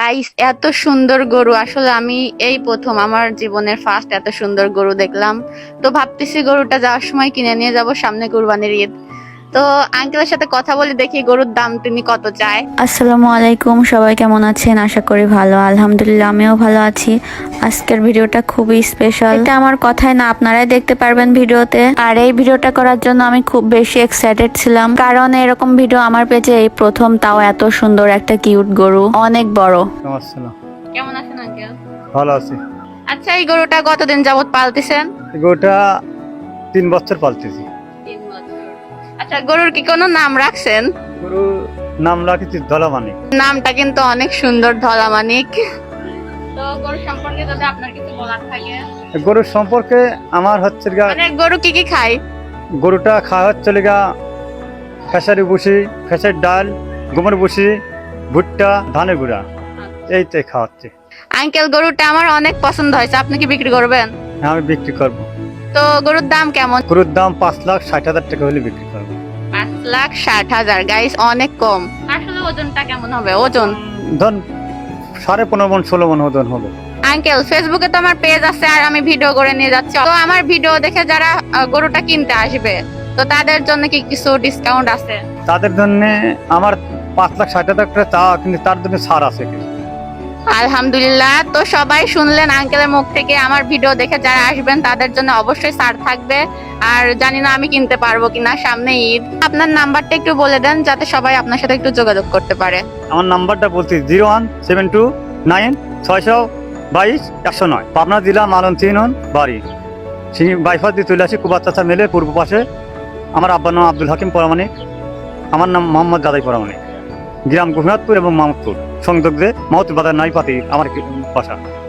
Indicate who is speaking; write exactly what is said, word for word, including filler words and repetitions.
Speaker 1: Guys এত সুন্দর গরু আসলে আমি এই প্রথম আমার জীবনের ফার্স্ট এত সুন্দর গরু দেখলাম। তো ভাবতেছি গরুটা যাওয়ার সময় কিনে নিয়ে যাব, সামনে কুরবানির ঈদ। তো আঙ্কেলের সাথে কথা বলে দেখি গরুর দাম তিনি কত চায়।
Speaker 2: আসসালামু আলাইকুম, সবাই কেমন আছেন? আশা করি ভালো। আলহামদুলিল্লাহ আমিও ভালো আছি। আজকের ভিডিওটা খুবই স্পেশাল। এটা আমার কথাই না, আপনারাই দেখতে পারবেন ভিডিওতে। আর এই ভিডিওটা করার জন্য আমি খুব বেশি এক্সাইটেড ছিলাম, কারণ এরকম ভিডিও আমার পেজে এই প্রথম, তাও এত সুন্দর একটা কিউট গরু, অনেক বড়।
Speaker 3: আসসালাম,
Speaker 1: কেমন আছেন আঙ্কেল?
Speaker 3: ভালো আছি।
Speaker 1: আচ্ছা, এই গরুটা কতদিন যাবত পালতেছেন?
Speaker 3: গরুটা তিন বছর পালতেছি।
Speaker 1: তিন বছর। আচ্ছা, গরুর কি কোনো নাম রাখছেন?
Speaker 3: গরুর নাম রাখেছি ধলামানিক।
Speaker 1: নামটা কিন্তু অনেক সুন্দর, ধলামানিক। তো গরু সম্পর্কে যদি আপনার কিছু বলার থাকে।
Speaker 3: গরুর সম্পর্কে আমার হচ্ছে গা,
Speaker 1: মানে গরু কি কি খায়?
Speaker 3: গরুটা খাওয়া হচ্ছে গা খেসারি ভুসি, খেসার ডাল, গমের ভুসি, ভুট্টা, ধানের গুঁড়া, এইটাই খাওয়াচ্ছে।
Speaker 1: আঙ্কেল, গরুটা আমার অনেক পছন্দ হয়েছে, আপনি কি বিক্রি করবেন?
Speaker 3: আমি বিক্রি করবো।
Speaker 1: তো গরুর দাম কেমন?
Speaker 3: গরুর দাম পাঁচ লাখ ষাট হাজার টাকা হলে বিক্রি করবো।
Speaker 1: পাঁচ লাখ ষাট হাজার গাইস, অনেক কম। আসলে ওজনটা কেমন হবে? ওজন
Speaker 3: ধন সাড়ে পনেরো মন ষোলো মন ওজন হবে।
Speaker 1: আঙ্কেল, ফেসবুকে তো আমার পেজ আছে আর আমি ভিডিও করে নিয়ে যাচ্ছি। তো আমার ভিডিও দেখে যারা আহ, গরুটা কিনতে আসবে, তো তাদের জন্য কি কিছু ডিসকাউন্ট আছে?
Speaker 3: তাদের জন্য আমার পাঁচ লাখ ষাট হাজার টাকা চাওয়া, কিন্তু তার জন্য ছাড় আছে কিছু।
Speaker 1: আলহামদুলিল্লাহ। তো সবাই শুনলেন আঙ্কেলের মুখ থেকে, আমার ভিডিও দেখে যারা আসবেন তাদের জন্য অবশ্যই ছাড় থাকবে। আর জানি না আমি কিনতে পারবো কিনা, সামনে ঈদ। আপনার নাম্বারটা একটু বলে দেন যাতে সবাই আপনার সাথে একটু যোগাযোগ করতে পারে।
Speaker 3: আমার নাম্বারটা বলছি zero one seven two nine ছয়শো বাইশ একশো নয় পাবনা জেলা মালন চিহ্ন বাড়ি সিং বাইফাস দিয়ে চলে আসি কুবার চাচা মেলে পূর্ব পাশে। আমার আব্বার নাম আব্দুল হাকিম পরামানিক, আমার নাম মোহাম্মদ গাদাই পরামানিক, গ্রাম গোপীনাথপুর এবং মামদপুর সংযোগ দিয়ে মাহতুল বাজার নাই পাতি আমার বাসা।